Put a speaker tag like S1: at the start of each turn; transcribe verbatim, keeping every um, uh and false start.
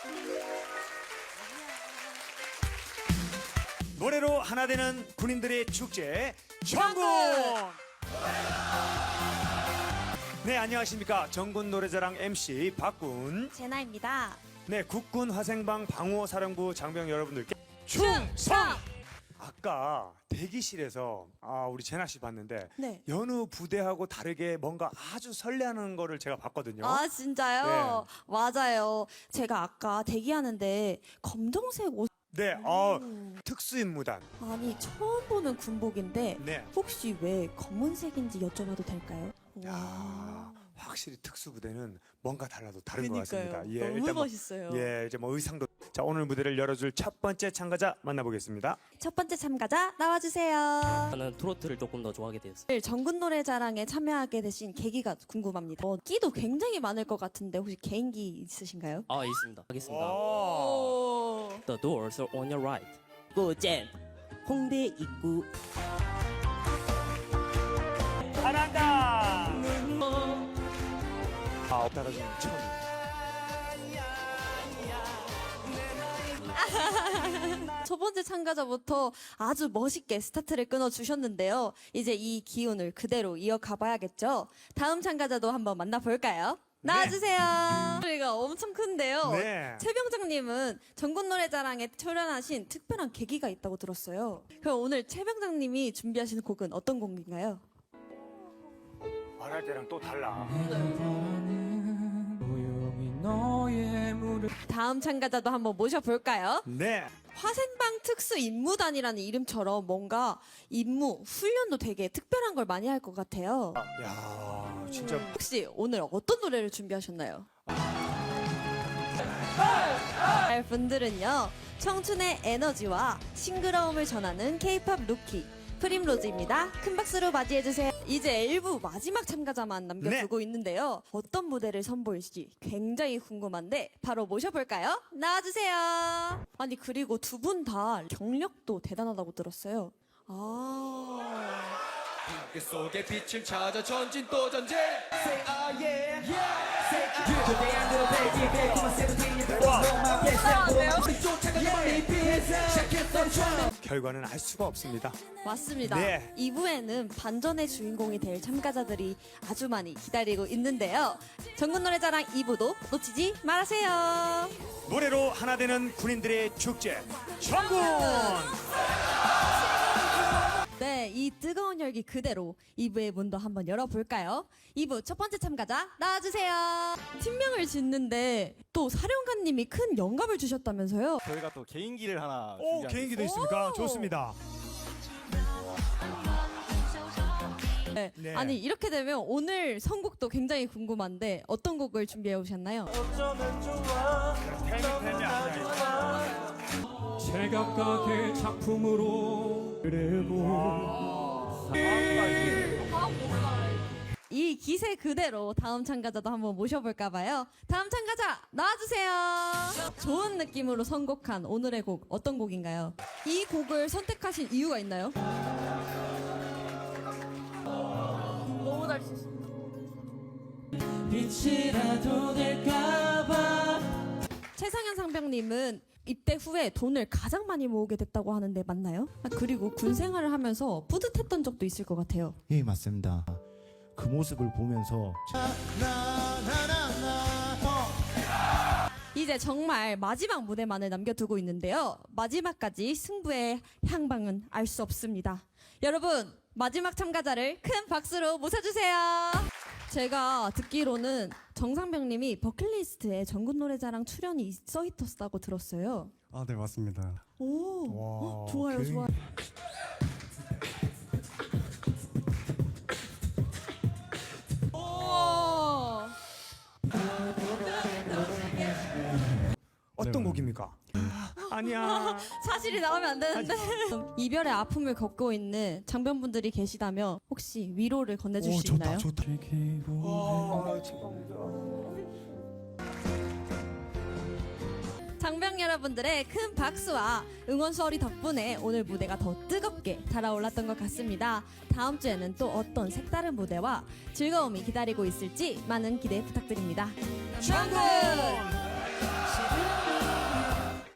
S1: 노래로 하나 되는 군인들의 축제 정군. 네, 안녕하십니까. 정군 노래자랑 엠씨 박군.
S2: 제나입니다.
S1: 네, 국군 화생방 방호사령부 장병 여러분들께
S2: 충성!
S1: 아까 대기실에서 아, 우리 제나 씨 봤는데
S2: 네.
S1: 여느 부대하고 다르게 뭔가 아주 설레하는 거를 제가 봤거든요.
S2: 아 진짜요? 맞아요. 제가 아까 대기하는데 검정색 옷
S1: 네, 어, 특수임무단.
S2: 아니 처음 보는 군복인데
S1: 네.
S2: 혹시 왜 검은색인지 여쭤봐도 될까요?
S1: 야, 확실히 특수부대는 뭔가 달라도 다른
S2: 그러니까요.
S1: 것 같습니다.
S2: 너무
S1: 일단 뭐,
S2: 멋있어요.
S1: 예, 이제 뭐 의상도. 자, 오늘 무대를 열어줄 첫 번째 참가자 만나보겠습니다.
S2: 첫 번째 참가자 나와주세요.
S3: 저는 트로트를 조금 더 좋아하게 되었어요.
S2: 오늘 정군 노래자랑에 참여하게 되신 계기가 궁금합니다. 어, 끼도 굉장히 많을 것 같은데 혹시 개인기 있으신가요?
S3: 아 있습니다. 하겠습니다.
S2: 오.
S3: The doors are on your right. 고잼 홍대 입구.
S1: 잘한다. 아, 따라주는 처음.
S2: 첫 번째 참가자부터 아주 멋있게 스타트를 끊어주셨는데요. 이제 이 기운을 그대로 이어가 봐야겠죠. 다음 참가자도 한번 만나볼까요? 나와주세요. 소리가 엄청 큰데요.
S1: 네.
S2: 최병장님은 전국 노래자랑에 출연하신 특별한 계기가 있다고 들었어요. 그럼 오늘 최병장님이 준비하시는 곡은 어떤 곡인가요?
S1: 말할 때랑 또 달라.
S2: 다음 참가자도 한번 모셔볼까요?
S1: 네.
S2: 화생방 특수 임무단이라는 이름처럼 뭔가 임무, 훈련도 되게 특별한 걸 많이 할 것 같아요.
S1: 야, 진짜.
S2: 혹시 오늘 어떤 노래를 준비하셨나요? 할 분들은요, 청춘의 에너지와 싱그러움을 전하는 K-팝 루키 프림로즈입니다. 큰 박수로 맞이해주세요. 이제 일부 마지막 참가자만 남겨두고
S1: 네.
S2: 있는데요. 어떤 무대를 선보일지 굉장히 궁금한데 바로 모셔볼까요? 나와주세요. 아니 그리고 두 분 다 경력도 대단하다고 들었어요. 아...
S4: 그 속에 빛을 찾아 전진 또 전진 Say ah yeah Say ah 그대 안 들어 baby 달콤한 세븐틴이 너만 뺏어 쫓아가는 리필 시작했던 처음
S1: 결과는 알 수가 없습니다.
S2: 맞습니다.
S1: 네.
S2: 이 부에는 반전의 주인공이 될 참가자들이 아주 많이 기다리고 있는데요. 전국 노래자랑 이 부도 놓치지 말으세요.
S1: 노래로 하나 되는 군인들의 축제 정군.
S2: 네, 이 뜨거운 열기 그대로 이 부의 문도 한번 열어볼까요? 이 부 첫 번째 참가자 나와주세요. 팀명을 짓는데 또 사령관님이 큰 영감을 주셨다면서요?
S5: 저희가 또 개인기를 하나
S1: 오,
S5: 준비한
S1: 개인기도 있습니까?
S2: 오.
S1: 좋습니다.
S2: 네.
S1: 네.
S2: 아니 이렇게 되면 오늘 선곡도 굉장히 궁금한데 어떤 곡을 준비해 오셨나요?
S6: 제각각의 작품으로
S2: 이 기세 그대로 다음 참가자도 한번 모셔볼까봐요. 다음 참가자 나와주세요. 좋은 느낌으로 선곡한 오늘의 곡 어떤 곡인가요? 이 곡을 선택하신 이유가 있나요? 너무 잘 쓰신다.
S6: 빛이라도 될까봐.
S2: 최상현 상병님은 입대 후에 돈을 가장 많이 모으게 됐다고 하는데 맞나요? 아, 그리고 군 생활을 하면서 뿌듯했던 적도 있을 것 같아요.
S7: 예, 맞습니다. 그 모습을 보면서
S2: 이제 정말 마지막 무대만을 남겨두고 있는데요. 마지막까지 승부의 향방은 알 수 없습니다. 여러분, 마지막 참가자를 큰 박수로 모셔주세요. 제가 듣기로는 정상병님이 버킷리스트에 전국 노래자랑 출연이 써 있었다고 들었어요.
S5: 아, 네, 맞습니다.
S2: 오, 어, 좋아요,
S1: 굉장히-
S2: 좋아요. 오.
S1: 어떤 곡입니까? 아니야.
S2: 사실이 나오면 안 되는데. 이별의 아픔을 겪고 있는 장병분들이 계시다면 혹시 위로를 건네주실 수 있나요?
S1: 좋다. 아,
S2: 장병 여러분들의 큰 박수와 응원 소리 덕분에 오늘 무대가 더 뜨겁게 달아올랐던 것 같습니다. 다음 주에는 또 어떤 색다른 무대와 즐거움이 기다리고 있을지 많은 기대 부탁드립니다.
S1: 정군.